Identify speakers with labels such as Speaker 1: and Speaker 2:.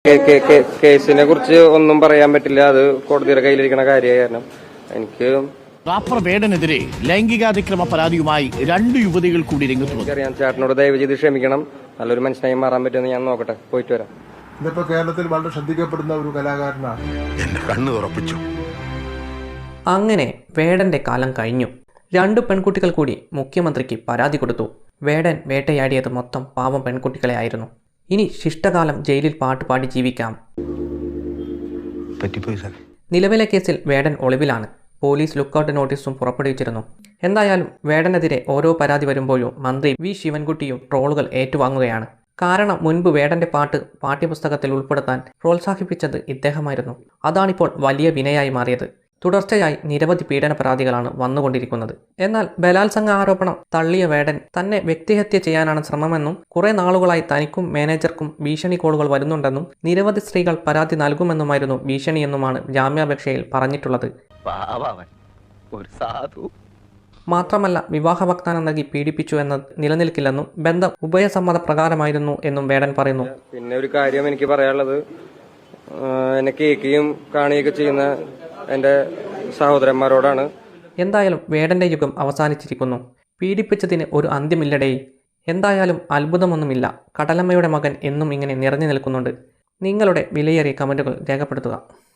Speaker 1: കേസിനെ കുറിച്ച് ഒന്നും പറയാൻ പറ്റില്ല. അത് കോടതിയുടെ കയ്യിലിരിക്കുന്ന കാര്യമായ കാരണം എനിക്ക്
Speaker 2: റാപ്പർ വേടനെതിരെ ലൈംഗികാതിക്രമ പരാതിയുമായി 2 യുവതികൾ കൂടി രംഗത്ത് വന്നു.
Speaker 1: അറിയാം. ചേട്ടനോട് ദയവ് ചെയ്ത് ക്ഷമിക്കണം. നല്ലൊരു മനുഷ്യനായി മാറാൻ പറ്റുമെന്ന് ഞാൻ നോക്കട്ടെ. പോയിട്ട് വരാം.
Speaker 3: ഇതിപ്പോ കേരളത്തിൽ വളരെ ശ്രദ്ധിക്കപ്പെടുന്ന ഒരു കലാകാരനാണ്.
Speaker 4: എന്റെ കണ്ണ് ഉറപ്പിച്ചു.
Speaker 5: അങ്ങനെ വേടന്റെ കാലം കഴിഞ്ഞു. 2 പെൺകുട്ടികൾ കൂടി മുഖ്യമന്ത്രിക്ക് പരാതി കൊടുത്തു. വേടൻ വേട്ടയാടിയത് മൊത്തം പാവം പെൺകുട്ടികളെ ആയിരുന്നു. ഇനി ശിഷ്ടകാലം ജയിലിൽ പാട്ടുപാടി ജീവിക്കാം. നിലവിലെ കേസിൽ വേടൻ ഒളിവിലാണ്. പോലീസ് ലുക്കൌട്ട് നോട്ടീസും പുറപ്പെടുവിച്ചിരുന്നു. എന്തായാലും വേടനെതിരെ ഓരോ പരാതി വരുമ്പോഴും മന്ത്രി വി ശിവൻകുട്ടിയും ട്രോളുകൾ ഏറ്റുവാങ്ങുകയാണ്. കാരണം മുൻപ് വേടന്റെ പാട്ട് പാഠ്യപുസ്തകത്തിൽ ഉൾപ്പെടുത്താൻ പ്രോത്സാഹിപ്പിച്ചത് ഇദ്ദേഹമായിരുന്നു. അതാണിപ്പോൾ വലിയ വിനയായി മാറിയത്. തുടർച്ചയായി നിരവധി പീഡന പരാതികളാണ് വന്നുകൊണ്ടിരിക്കുന്നത്. എന്നാൽ ബലാത്സംഗ ആരോപണം തള്ളിയ വേടൻ തന്നെ വ്യക്തിഹത്യ ചെയ്യാനാണ് ശ്രമമെന്നും കുറെ നാളുകളായി തനിക്കും മാനേജർക്കും ഭീഷണി കോളുകൾ വരുന്നുണ്ടെന്നും നിരവധി സ്ത്രീകൾ പരാതി നൽകുമെന്നുമായിരുന്നു ഭീഷണിയെന്നുമാണ് ജാമ്യാപേക്ഷയിൽ പറഞ്ഞിട്ടുള്ളത്. മാത്രമല്ല വിവാഹ വാഗ്ദാനം നൽകി പീഡിപ്പിച്ചു എന്നത് നിലനിൽക്കില്ലെന്നും ബന്ധം ഉഭയസമ്മത പ്രകാരമായിരുന്നു എന്നും വേടൻ പറയുന്നു.
Speaker 1: പിന്നെ ഒരു കാര്യം എനിക്ക് പറയാനുള്ളത്, എന്നെ കേൾക്കുകയും കാണുകയൊക്കെ ചെയ്യുന്ന എൻ്റെ സഹോദരന്മാരോടാണ്.
Speaker 5: എന്തായാലും വേടന്റെ യുഗം അവസാനിച്ചിരിക്കുന്നു. പീഡിപ്പിച്ചതിന് ഒരു അന്ത്യമില്ലടേ. എന്തായാലും അത്ഭുതമൊന്നുമില്ല. കടലമ്മയുടെ മകൻ എന്നും ഇങ്ങനെ നിറഞ്ഞു നിൽക്കുന്നുണ്ട്. നിങ്ങളുടെ വിലയേറിയ കമന്റുകൾ രേഖപ്പെടുത്തുക.